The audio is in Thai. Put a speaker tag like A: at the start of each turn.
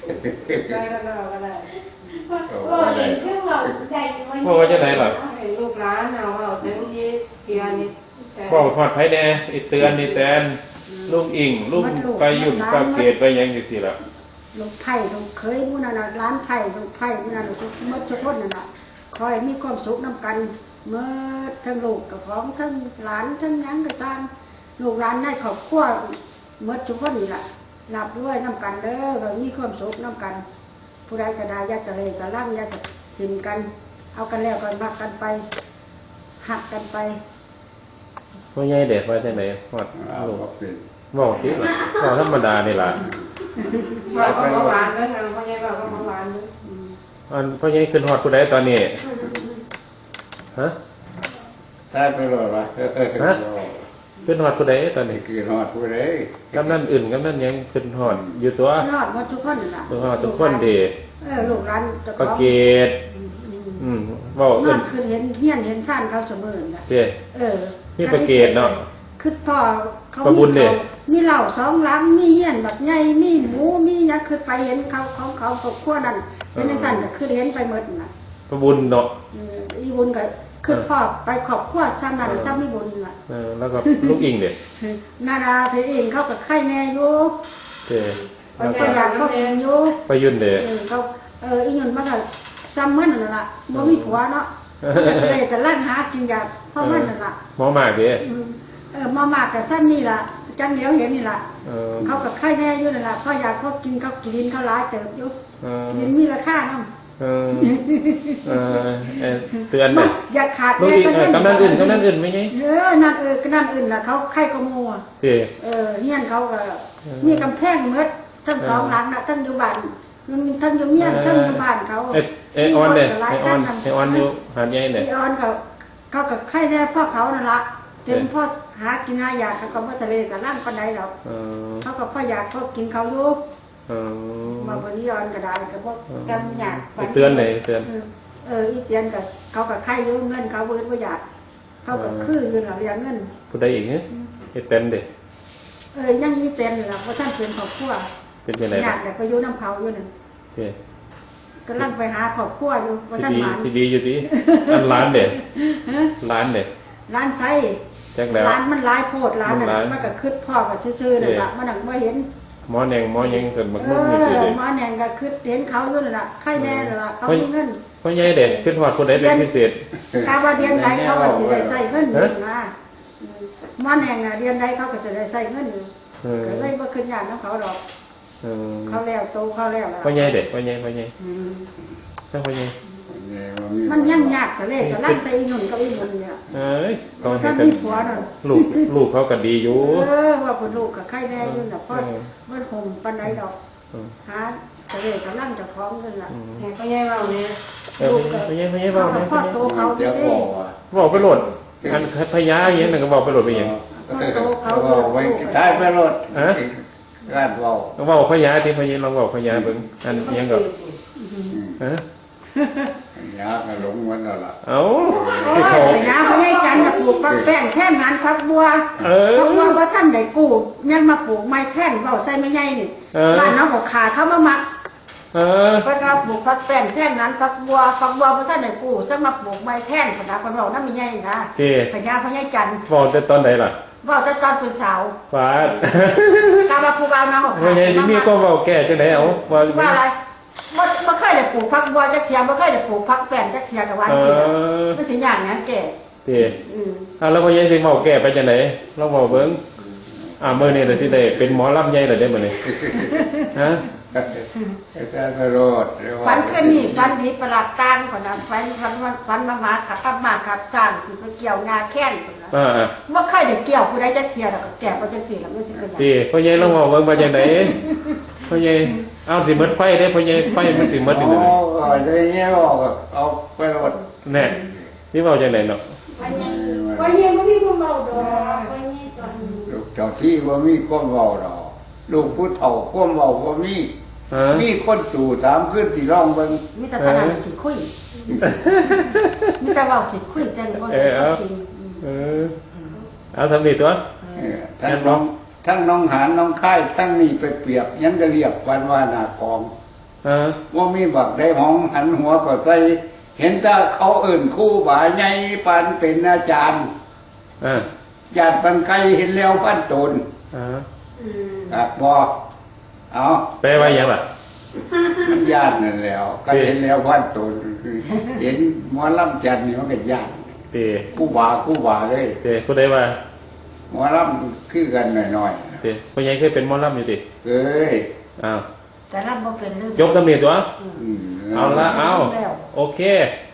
A: ได้แล้วก็ได้
B: ก็เห็นเครื่องเราใหญ่
C: พ่อว่าจะไหนล่ะ
A: ลูกหลานเอาเต็มที่เทียนี่
C: พ่อพอดไผแน่ไอ้เตือนนี่แตนลุงอิงลุงไปยุ่นปากเกตไปยังอยู่สิล่ะ
B: ลูกไผ่ลูกเคยมุ่นน่ะร้านไผ่ลูกไผ่มุ่นน่ะลูกมดชุดทนน่ะคอยมีความสุขน้ำกันเมื่อทั้งลูกกับของทั้งหลานทั้งยังกับตามลูกหลานได้ขอบขั้วมดชุดทนนี่แหละหลับด้วยน้ำกันเด้อเรามีความสุขน้ำกันผู้ใดก็ได้ยาจะเลยก็ร่างยาจะหินกันเอากันแล้วกันมักกันไปหักกันไป
C: พ่อใหญ่เด็ดว่าจังได๋ฮอดลูกบอกสิล่ะก็ธรรมดานี่ล่ะ
A: ว่าก็หวานแล้วนะพ่อใหญ่ว่าก็หวาน
C: พ่อใหญ่ขึ้นฮอดผู้ใดตอนนี้ฮะ
D: ได้ไปหรอวะ
C: ฮะขึ้นฮอดผู้ใดตอนนี้
D: คือฮอดผู้ใด
C: กำนันอื่นกำนันยังขึ้นฮอดอยู่ตัว
B: ฮอดหมดทุกคนน่ะ
C: ฮอดทุกคนดี
B: ลูกหลานจะ
C: ประเกตเว้า
B: เอิ้นคือเห็นเฮียนเห็นท่านเขาเสมอน่ะ
C: นี่ประเกตเนาะ
B: คือพ่อเขามีเหล้า2 ลังมีเฮียนบักใหญ่มีหมูมีหยังคือไปเห็นเขาของเขาครอบครัวนั้นเป็นจังซั่นก็คือเห็นไปหมดน่ะ
C: ประบุญเนาะ
B: อีบุญก็คือพ่อไปครอบครัวซ้ำนั้นซ้ำมีบุญน่ะ
C: แล้วก็ลูกอิงเด้
B: นาราเพเองเขาก็ไข่แม่อยู่แล้วก็อยากเขาเองอยู่
C: ไปยุ่นเด้
B: เขาอีหยุ่นมันก็ซ้ำมันนั่นล่ะบ่มีผัวเนาะเลยก็ลั่นหากินยาเพราะมันนั่นล่ะ
C: หมอมากเด้
B: หมอมากก็ซ้ำนี่ล่ะจังเหลียวเห็นนี่ล่ะเขาก็ไข่แม่อยู่นั่นล่ะเพราะอยากเขากินเขาหลายเติบอยู่กินมีราคานำ
C: เตือนเด้
B: อย่าขาด
C: แม่กำนันอื่นไม่ไง
B: นั่นนั่นอื่นล่ะเขาไข่ก็งัวเฮียนเขาก็มีกำแพงหมดทั้ง2 หลังน่ะทั้งอยู่บ้านทั้งอยู่เมียนทั้งอยู่บ้านเขา
C: ออนเด้ออนอยู่หาดใหญ่เด้
B: ออนเขาก็ไข่แน่พ่อเขานั่นล่ะเต็มพ่อหากินหายาเขาก็บ่ทะเลก็ล่างปานใดหรอกเขาก็พ่ออยากเขากินเขาอยู่มาวันนี้ย้อนก็ได้ก็บ่จำอยาก
C: เตือนเลยเตือน
B: อีเตือนก็เขาก็ไข่อยู่เงินเขาบ่อยากเขาก็คืออยู่ล่ะเรียงเงิน
C: ผู้ใดอีกเฮ็ดเต็มเด้
B: ยังมีเต็มล่ะบ่ทันเป็นครอบครัว
C: เป็นจังได๋
B: อยากแต่ก็อยู่นำเขาอยู่นั่นกำลังไปหาครอบครัวอยู่บ่ทันหมาน
C: ที่ดีอยู่ติอันร้านเด้ร้าน
B: ไส
C: จังแล้ว
B: ร้านมันหลายโพดร้านน่ะมันก็คิดพ่อก็ซื่อๆนั่นล่ะมันน่ะบ่เห็น
C: หมอแหน่งหมอยังเกิดมักมุ่งอยู่ติ
B: หมอแหน่งก็คิดเห็นเขาอยู่นั่นล่ะไข่แน่นั่นล่ะเขามีเงิน
C: พ่อใหญ่เด้ขึ้นฮอดผู้ใดเป็นพิเศษ
B: ถ้าว่าเดือนใดเขาก็สิได้ใช้เงินอยู่นะหมอแหน่งน่ะเดือนใดเขาก็จะได้ใช้เงินอยู่ก็เลยบ่ขึ้นยากนำเขาดอกเขาแล้วโตเขาแล้ว
C: พ่อใหญ่เด้พ่อใหญ่ถ้าพ่อใหญ่
B: มันยังยากแต่เลขก็ลั่นไปอีหนุ่นก็อีหนุ่นเนี่ย
C: เขาเห็นกันลูกเขาก็ดีอยู่
B: ว่าคนลูกกับไข่แน่ยุ่นน่ะเพราะมันคงปันไดดอกหาแต่เลขก็ลั่นจะพร้อมกันล่ะ
A: แห่พ่อใหญ่เว้าเนี่ย
C: ลูกพ่อใหญ่เว้าเนี่ย
B: พ่อโตเขาดี
C: บอกไปโหลดอันพญาอย่างนั้นก็บอกไปโหลดไปอย่าง
B: พ่อโตเขา
D: บอกไว้ได้ไปโหลดร้านเว้า
C: ต้องบอกพญาที่พญาลองบอกพญาเบิ่งอันยังก็
D: ยากหลงมันแล้วล่ะ
B: นะเขาให้จันทร์ปลูกปักแป้งแค่นั้นพักบัวพักบัวว่าท่านได้กู้ยังมาปลูกไม้แท่นเบาใส่ไม่ใหญ่นี่บ้านน้องบอกขาเขามามักเพราะว่าปลูกพักแป้งแค่นั้นพักบัวว่าท่านได้กู้จะมาปลูกไม้แท่นขนาดคนเรานั่นไม่ใหญ่นะพญาเขาให้จันทร์
C: บอกแต่ตอนไหนล่ะ
B: บอกแต่ตอนเป็นสาว
C: ฟาด
B: กาบาคูบาน้องบอก
C: ไม่ใช่มีก็บอกแก่จังไหนเอา
B: ว่าอะไรบ่เคยได้ปลูกผักบัวจักเทียบ่เคยได้ปลูกผักแป้นจักเทียกับวันนี้มันสิอย่างนั้นแก่
C: แล้วพ่อใหญ่สิเมาแก่ไปจังได๋เราเว้าเบิ่งมื้อนี้ได้สิได้เป็นหมอลำใหญ่แล้วได้มื้อนี้ฮะ
D: แต่รอด
B: ฝันคืนนี้ฝันดีประหลาดตางคนนั้นฝันมาขับสร้างสิไปเกี่ยวงาแค้นพุ่นน่ะบ่เคยได้เกี่ยวผู้ใดจักเทียดอกแก่บ่จังซี่ล่ะมันสิเป็น
C: หยังพ่อใหญ่ลองเว้าเบิ่งว่าจังได๋พ่อใหญ่เอาสิหมดไฟได้พ่อใหญ่ไฟมันสิหมดนี่เลย
D: ได้เงี้ยบอกเอาไปรถ
C: แน่นี่เว้าจังได๋เนาะ
B: พ่อใหญ่บ่มีคนเว้าดอกพ่อใหญ่ตอน
D: ลูกเจ้าที่บ่มีคนเว้าดอกลูกผู้เฒ่าคนเว้าบ่มีคนสู่ถามขึ้นสิร้องเบิ่ง
B: มีแต่ขนาดสิคุยมีแต่เว้าสิคุยแต่บ่ได้จริง
C: เอาทำนี่ตัว
D: ทั้งน้องหานน้องค่ายทั้งนี่ไปเปรียบยังจะเรียกวันว่าหน้ากองว่ามีบักได้หองหันหัวก็ใส่เห็นแต่เขาเอิ่นคู่บ่าใหญ่ปานเป็นอาจารย์ญาติปันไกลเห็นแล้วพันตนครับบอเอา
C: แปลว่าอย่างไร
D: มันญาตินั่นแล้วก็เห็นแล้วพันตนเห็นหมอลำจันนี่มันเป็นญาติคู่บ่าเลย
C: ผู้ใดว่า
D: หมอลำคือกันหน่อย
C: ๆพ่อใหญ่เคยเป็นหมอลำอยู่ติ
D: เอ้ย
B: แต่ลำบ่เป็นเรื่อง
C: ยกตำหนิตัวเอาละเอาโอเค